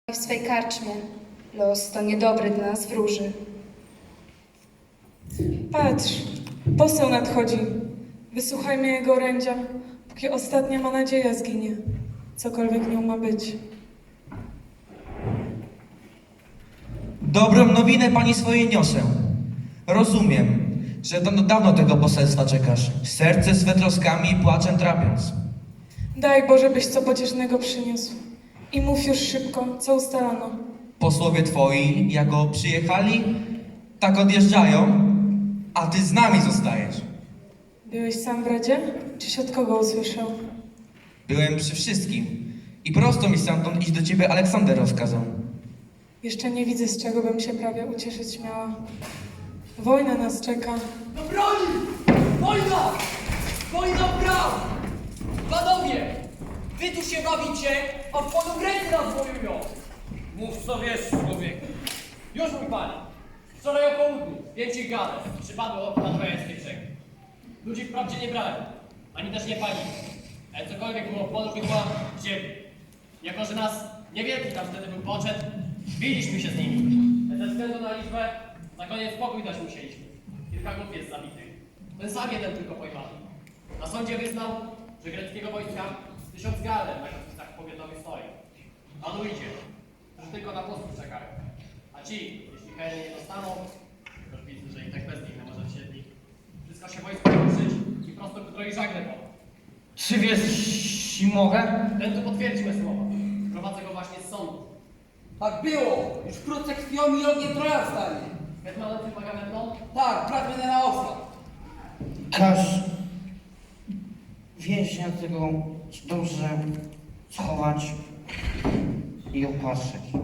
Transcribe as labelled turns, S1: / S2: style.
S1: w swej karczmie. Los to niedobry dla nas wróży.
S2: Patrz, poseł nadchodzi. Wysłuchajmy jego orędzia, póki ostatnia ma nadzieja zginie. Cokolwiek nią ma być.
S3: Dobrą nowinę pani swojej niosę. Rozumiem, że dawno tego poselstwa czekasz, serce swe troskami i płaczem trapiąc.
S2: Daj Boże, byś co pociesznego przyniósł. I mów już szybko, co ustalono.
S3: Posłowie twoi, jako przyjechali, tak odjeżdżają, a ty z nami zostajesz.
S2: Byłeś sam w Radzie? Czyś od kogo usłyszał?
S3: Byłem przy wszystkim i prosto mi stamtąd iść do ciebie Aleksander rozkazał.
S2: Jeszcze nie widzę, z czego bym się prawie ucieszyć miała. Wojna nas czeka.
S4: Do broni! Wojna! Wojna w praw! Panowie! Wy tu się bawicie, a w polu ręce nas wojują! Mów co wiesz, człowieku. Już mój panie. Wczoraj o południu, więcej gadek, przypadło na trojańskiej brzegi. Ludzi wprawdzie nie brali, ani też nie palili. Ale cokolwiek było w polu, była ziemi. Jako, że nas niewielki tam wtedy był poczet, biliśmy się z nimi. Ale ze względu na liczbę, na koniec spokój dać musieliśmy. Kilka grup jest zabitych. Ten sam jeden tylko pojmany. Na sądzie wyznał, że greckiego wojska 1000 galen na granicach powiatowych stoi. A tu idzie, że tylko na posłów czekają. A ci, jeśli hejny nie dostaną, już widzę, że i tak bez nich nie może siedli. Wszystko się wojsko ruszyć i prosto ku troi żagle po.
S5: Czy wiesz, jeśli mogę?
S4: Ten tu potwierdzi me słowa. Prowadzę go właśnie z sądu.
S6: Tak było! Już wkrótce krwią i ogniem Troja wstanie.
S4: Hetmanem tym Agamemnon?
S6: Tak, brat będę na osła.
S5: Każ więźnia tego dobrze schować i opatrzeć.